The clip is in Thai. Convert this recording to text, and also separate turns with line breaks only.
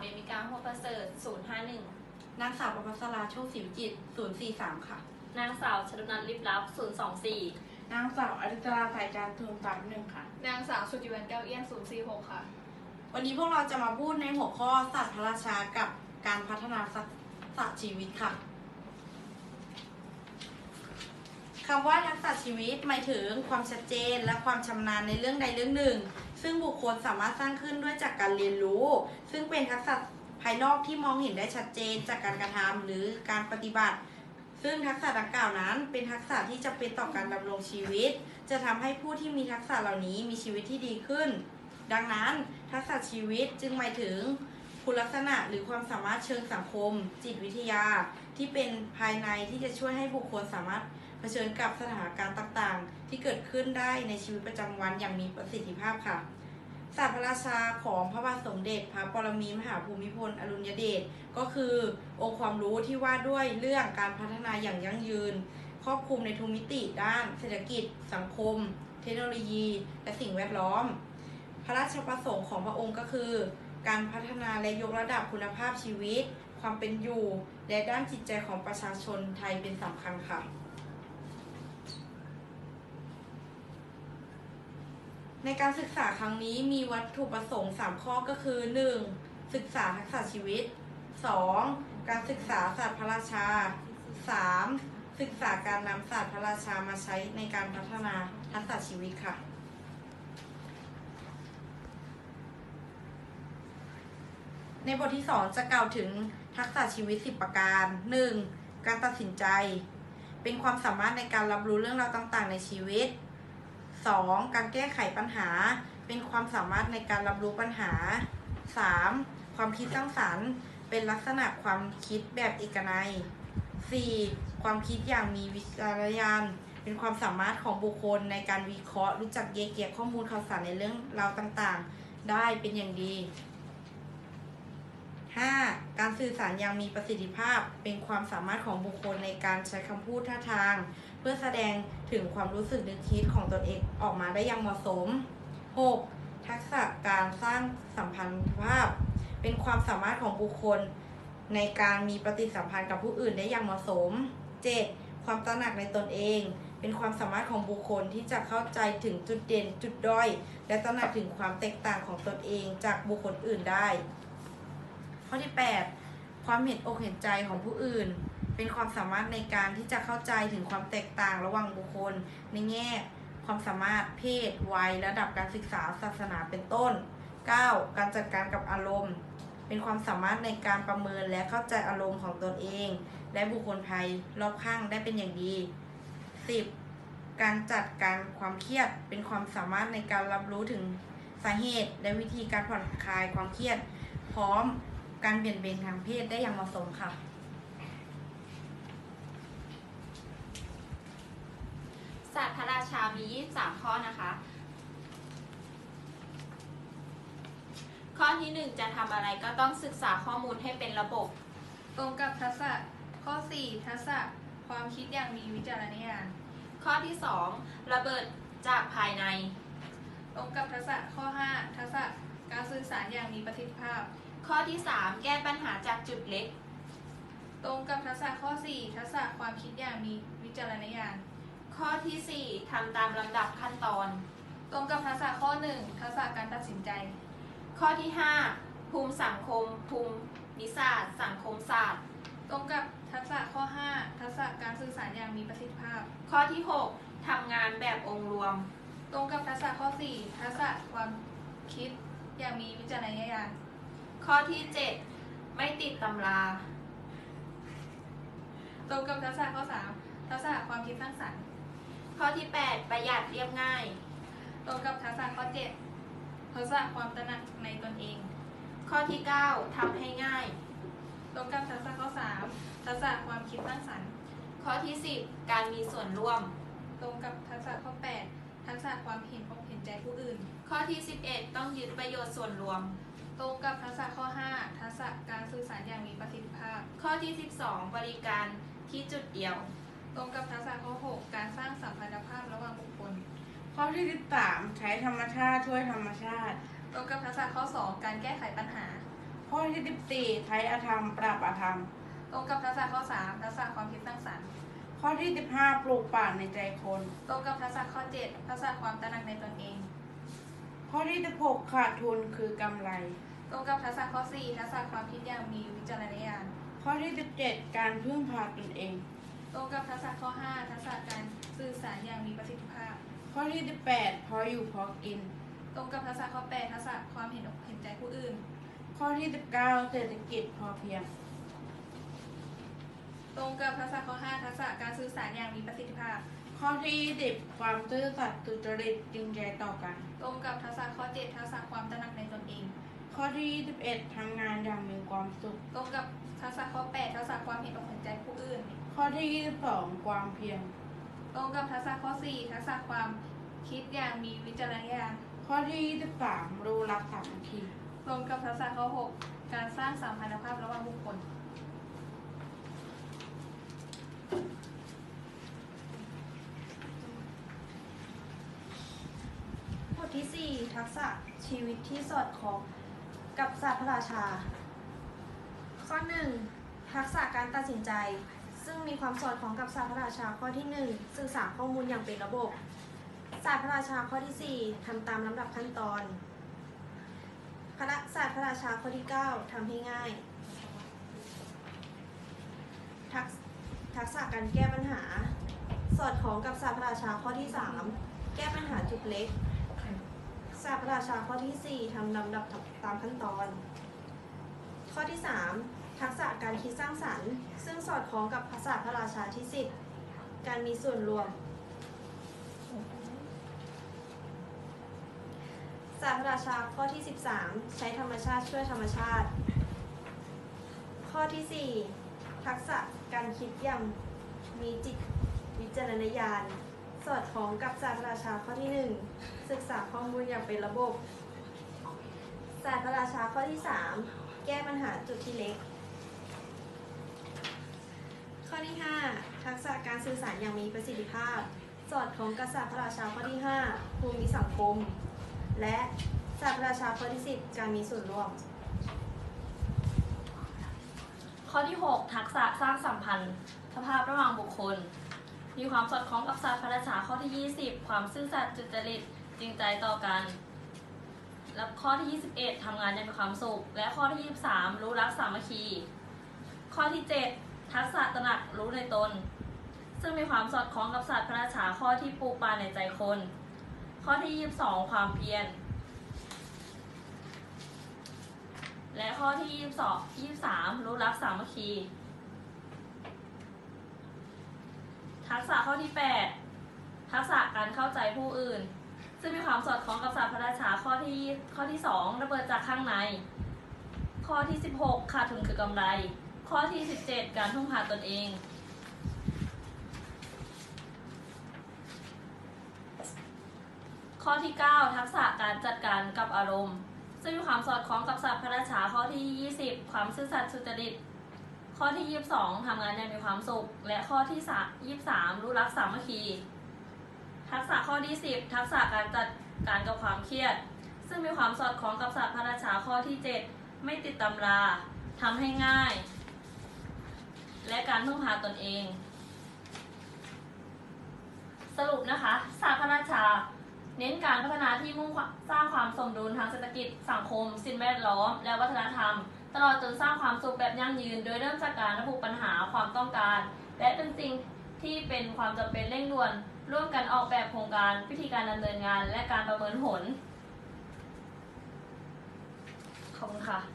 เมมิกาหัวประเสริฐ051
นางสาวประภัสราโชคศรีวิจิตร043ค่ะ
นางสาวชลนันท์ลิบลับ024
นางสาวอริตราสายจาน031ค่ะ
นางสาวสุจิวันแก้วเอี้ยน046ค่ะ
วันนี้พวกเราจะมาพูดในหัวข้อศาสตร์พระราชากับการพัฒนาศาสตร์ชีวิตค่ะคำว่าทักษะชีวิตหมายถึงความชัดเจนและความชำนาญในเรื่องใดเรื่องหนึ่งซึ่งบุคคลสามารถสร้างขึ้นด้วยจากการเรียนรู้ซึ่งเป็นทักษะภายนอกที่มองเห็นได้ชัดเจนจากการกระทำหรือการปฏิบัติซึ่งทักษะดังกล่าวนั้นเป็นทักษะที่จำเป็นต่อการดำรงชีวิตจะทำให้ผู้ที่มีทักษะเหล่านี้มีชีวิตที่ดีขึ้นดังนั้นทักษะชีวิตจึงหมายถึงคุณลักษณะหรือความสามารถเชิงสังคมจิตวิทยาที่เป็นภายในที่จะช่วยให้บุคคลสามารถเผชิญกับสถานการณ์ต่างๆที่เกิดขึ้นได้ในชีวิตประจำวันอย่างมีประสิทธิภาพค่ะศาสตร์พระราชาของพระบาทสมเด็จพระปรมินทรมหาภูมิพลอดุลยเดชก็คือองค์ความรู้ที่ว่าด้วยเรื่องการพัฒนาอย่างยั่งยืนครอบคลุมในทุกมิติด้านเศรษฐกิจสังคมเทคโนโลยีและสิ่งแวดล้อมพระราชประสงค์ของพระองค์ก็คือการพัฒนาและยกระดับคุณภาพชีวิตความเป็นอยู่และด้านจิตใจของประชาชนไทยเป็นสำคัญค่ะในการศึกษาครั้งนี้มีวัตถุประสงค์3ข้อก็คือ 1. ศึกษาทักษะชีวิต 2. การศึกษาศาสตร์พระราชา 3. ศึกษาการนำศาสตร์พระราชามาใช้ในการพัฒนาทักษะชีวิตค่ะในบทที่ 2 จะกล่าวถึงทักษะชีวิต10ประการ 1. การตัดสินใจเป็นความสามารถในการรับรู้เรื่องราวต่างๆในชีวิต 2. การแก้ไขปัญหาเป็นความสามารถในการรับรู้ปัญหา 3. ความคิดสร้างสรรค์เป็นลักษณะความคิดแบบเอกนัย 4. ความคิดอย่างมีวิจารณญาณเป็นความสามารถของบุคคลในการวิเคราะห์รู้จักแยกแยะข้อมูลข่าวสารในเรื่องราวต่างๆได้เป็นอย่างดี 5. การสื่อสารอย่างมีประสิทธิภาพเป็นความสามารถของบุคคลในการใช้คำพูดท่าทางเพื่อแสดงถึงความรู้สึกนึกคิดของตนเองออกมาได้อย่างเหมาะสม 6. ทักษะการสร้างสัมพันธภาพเป็นความสามารถของบุคคลในการมีปฏิสัมพันธ์กับผู้อื่นได้อย่างเหมาะสม 7. ความตระหนักในตนเองเป็นความสามารถของบุคคลที่จะเข้าใจถึงจุดเด่นจุดด้อยและตระหนักถึงความแตกต่างของตนเองจากบุคคลอื่นได้ข้อที่ 8. ความเห็นอกเห็นใจของผู้อื่นเป็นความสามารถในการที่จะเข้าใจถึงความแตกต่างระหว่างบุคคลในแง่ความสามารถเพศวัยระดับการศึกษาศาสนาเป็นต้น 9. การจัดการกับอารมณ์เป็นความสามารถในการประเมินและเข้าใจอารมณ์ของตนเองและบุคคลภายรอบข้างได้เป็นอย่างดี 10. การจัดการความเครียดเป็นความสามารถในการรับรู้ถึงสาเหตุและวิธีการผ่อนคลายความเครียดพร้อมการเปลี่ยนเบนทางเพศได้อย่างเหมาะสมค่ะ
ศาสตร์พระราชามี23ข้อนะคะข้อที่ 1 จะทำอะไรก็ต้องศึกษาข้อมูลให้เป็นระบบ
ตรงกับทักษะข้อ 4 ทักษะความคิดอย่างมีวิจารณญาณ
ข้อที่ 2 ระเบิดจากภายใน
ตรงกับทักษะข้อ 5 ทักษะการสื่อสารอย่างมีประสิทธิภาพ
ข้อที่ 3 แก้ปัญหาจากจุดเล็ก
ตรงกับทักษะข้อ 4 ทักษะความคิดอย่างมีวิจารณญาณ
ข้อที่ 4 ทำตามลำดับขั้นตอน
ตรงกับทักษะข้อ 1 ทักษะการตัดสินใจ
ข้อที่ 5 ภูมิสังคมภูมิศาสตร์สังคมศาสตร์
ตรงกับทักษะข้อ 5 ทักษะการสื่อสารอย่างมีประสิทธิภาพ
ข้อที่ 6 ทำงานแบบองค์รวม
ตรงกับทักษะข้อ 4 ทักษะความคิดอย่างมีวิจารณญาณ
ข้อที่ 7 ไม่ติดตำรา
ตรงกับทักษะข้อ 3 ทักษะความคิดสร้างสรรค์
ข้อที่ 8 ประหยัดเรียบง่าย
ตรงกับทักษะข้อ 7 ทักษะความตระหนักในตนเอง
ข้อที่ 9 ทำให้ง่าย
ตรงกับทักษะข้อ 3 ทักษะความคิดสร้างสรรค์
ข้อที่ 10 การมีส่วนร่วม
ตรงกับทักษะข้อ 8 ทักษะความเห็นอกเห็นใจผู้อื่น
ข้อที่ 11 ต้องยึดประโยชน์ส่วนรวม
ตรงกับทักษะข้อ 5 ทักษะการสื่อสารอย่างมีประสิทธิภาพ
ข้อที่ 12 บริการที่จุดเดียว
ตรงกับทักษะข้อ 6 การสร้างสัมพันธภาพระหว่างบุคคล
ข้อที่ 13 ใช้ธรรมชาติช่วยธรรมชาติ
ตรงกับทักษะข้อ 2 การแก้ไขปัญหา
ข้อที่ 14 ใช้อธรรมปราบอธรรม
ตรงกับทักษะข้อ 3 ทักษะความคิดสร้างสรรค์
ข้อที่ 15 ปลูกป่าในใจคน
ตรงกับทักษะข้อ 7 ทักษะความตระหนักในตนเอง
ข้อที่ 16 ขาดทุนคือกำไร
ตรงกับทักษะข้อ 4 ทักษะความคิดอย่างมีวิจารณญาณ
ข้อที่ 17 การพึ่งพาตนเอง
ตรงกับทักษะข้อ 5 ทักษะการสื่อสารอย่างมีประสิทธิภาพ
ข้อที่ 18 พออยู่พอกิน
ตรงกับทักษะข้อ 8 ทักษะความเห็นอกเห็นใจผู้อื่น
ข้อที่ 19 เศรษฐกิจพอเพียง
ตรงกับทักษะข้อ 5 ทักษะการสื่อสารอย่างมีประสิทธิภาพ
ข้อที่ 20 ความซื่อสัตย์สุจริตจริงใจต่อกัน
ตรงกับทักษะข้อ 7 ทักษะความตระหนักในตนเอง
ข้อที่ 21 ทำงานอย่างมีความสุข
ตรงกับทักษะข้อ 8 ทักษะความเห็นอกเห็นใจผู้อื่น
ข้อที่ 22 ความเพียร
ตรงกับทักษะข้อ 4 ทักษะความคิดอย่างมีวิจารณญาณ
ข้อที่ 23 รู้รักสามัคคี
ตรงกับทักษะข้อ 6 การสร้างสัมพันธภาพระหว่างบุคคล
บทที่ 4 ทักษะชีวิตที่สอดคล้องกับศาสตร์พระราชา ข้อ 1 ทักษะการตัดสินใจ ซึ่งมีความสอดคล้องกับศาสตร์พระราชาข้อที่ 1 สื่อสารข้อมูลอย่างเป็นระบบศาสตร์พระราชาข้อที่ 4 ทำตามลำดับขั้นตอนศาสตร์พระราชาข้อที่ 9 ทำให้ง่าย ทักษะการแก้ปัญหา สอดคล้องกับศาสตร์พระราชาข้อที่ 3 แก้ปัญหาจุดเล็ก ศาสตร์พระราชาข้อที่ 4 ทำลำดับตามขั้นตอน ข้อที่ 3 ทักษะการคิดสร้างสรรค์ ซึ่งสอดคล้องกับศาสตร์พระราชาที่ 10 การมีส่วนรวม ศาสตร์พระราชาข้อที่ 13 ใช้ธรรมชาติช่วยธรรมชาติ ข้อที่ 4 ทักษะการคิดอย่างมีจิตวิจารณญาณ สอดคล้องกับศาสตร์พระราชาข้อที่ 1 ศึกษาข้อมูลอย่างเป็นระบบ ศาสตร์พระราชาข้อที่ 3 แก้ปัญหาจุดที่เล็ก ข้อที่ 5 ทักษะการสื่อสารอย่างมีประสิทธิภาพ สอดคล้องกับศาสตร์พระราชาข้อที่ 5 ภูมิสังคม และศาสตร์พระราชาข้อที่ 10 การมีส่วนร่วม
ข้อที่ 6 ทักษะสร้างสัมพันธ์สภาพระหว่างบุคคล มีความสอดคล้องกับศาสตร์พระราชาข้อที่ 20 ความซื่อสัตย์สุจริตจริงใจต่อกัน และข้อที่ 21 ทำงานอย่างมีความสุข และข้อที่ 23 รู้รักสามัคคี ข้อที่ 7 ทักษะตระหนักรู้ในตน ซึ่งมีความสอดคล้องกับศาสตร์พระราชาข้อที่ปลูกป่าในใจคน ข้อที่ 22 ความเพียร และข้อที่ 23 รู้รักสามัคคี ทักษะข้อที่ 8 ทักษะการเข้าใจผู้อื่น ซึ่งมีความสอดคล้องกับศาสตร์พระราชาข้อที่ 2 ระเบิดจากข้างใน ข้อที่ 16 ขาดทุนคือกำไร ข้อที่ 17 การพึ่งพาตนเอง ข้อที่ 9 ทักษะการจัดการกับอารมณ์ ซึ่งมีความสอดคล้องกับศาสตร์พระราชาข้อที่ 20 ความซื่อสัตย์สุจริต ข้อที่ 22 ทำงานอย่างมีความสุข และข้อที่ 23 รู้รักสามัคคี ทักษะข้อที่ 10 ทักษะการจัดการกับความเครียด ซึ่งมีความสอดคล้องกับศาสตร์พระราชาข้อที่ 7 ไม่ติดตำราทำให้ง่าย และการพึ่งพาตนเอง สรุปนะคะศาสตร์พระราชาเน้นการพัฒนาที่มุ่งสร้างความสมดุลทางเศรษฐกิจสังคมสิ่งแวดล้อมและวัฒนธรรมตลอดจนสร้างความสุขแบบยั่งยืนโดยเริ่มจากการระบุปัญหาความต้องการและเป็นสิ่งที่เป็นความจำเป็นเร่งด่วนร่วมกันออกแบบโครงการวิธีการดำเนินงานและการประเมินผลขอบคุณค่ะ